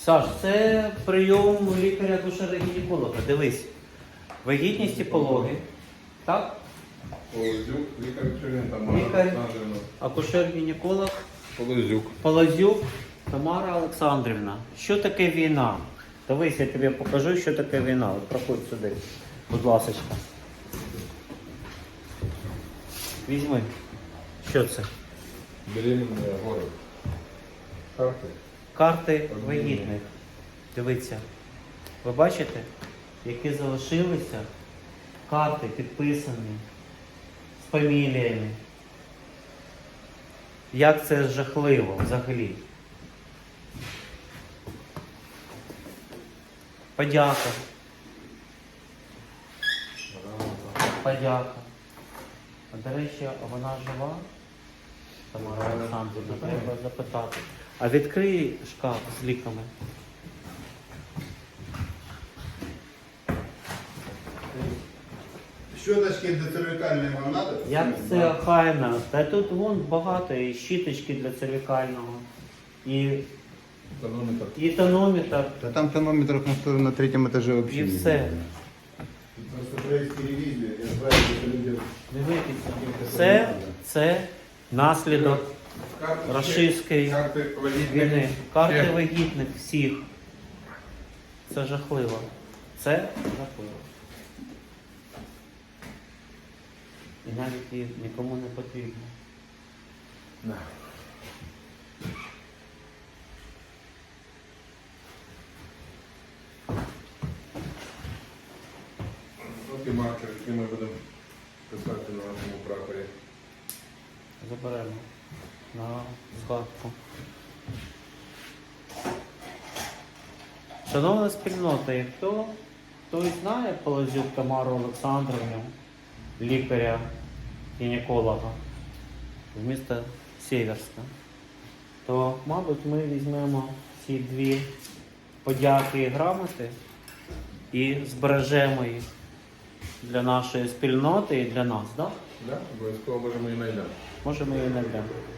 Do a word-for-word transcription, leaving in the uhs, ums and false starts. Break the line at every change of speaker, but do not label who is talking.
Саш, це прийом лікаря-акушера-гінеколога. Дивись. Вагітність і пологи. Так?
Полозюк, лікар Черен, Тамара
Лікар.
Олександрівна.
Акушер-гінеколог
Полозюк.
Полозюк Тамара Олександрівна. Що таке війна? Дивись, я тобі покажу, що таке війна. От проходь сюди, будь ласка. Візьми. Що це?
Беременная город. Карти.
Карти вагітних. Дивіться. Ви бачите, які залишилися карти підписані з фаміліями. Як це жахливо взагалі. Подяка. Подяка. А до речі, а вона жива? Тамара Олександрівна, треба запитати. А відкрий шкаф з ліками.
Щоточки для цервикальної вам надо?
Як це охайно? Та тут вон багато і щіточки для цервікального, і,
Тонометр.
і тонометр,
Да там тонометров на, втором, на третьем этаже вообще
і
не
все.
видно. Просто провести ревизию и отправить это людям.
Дивіться, це, це наслідок
Карти,
рашистської
карти вагітних.
війни. Карти
Ще.
вагітних всіх. Це жахливо. Це жахливо. І навіть її нікому не потрібно.
Да. От і маркер, який ми будемо писати на нашому прапорі.
Заберемо на згадку. Шановна спільнота, і хто, хто і знає Полозюк Тамару Олександрівну, лікаря-гінеколога з міста Сєверська, то, мабуть, ми візьмемо ці дві подяки і грамоти і збережемо їх для нашої спільноти і для нас, так?
Да? Обов'язково може ми і знайдемо.
Може, ми її знайдемо.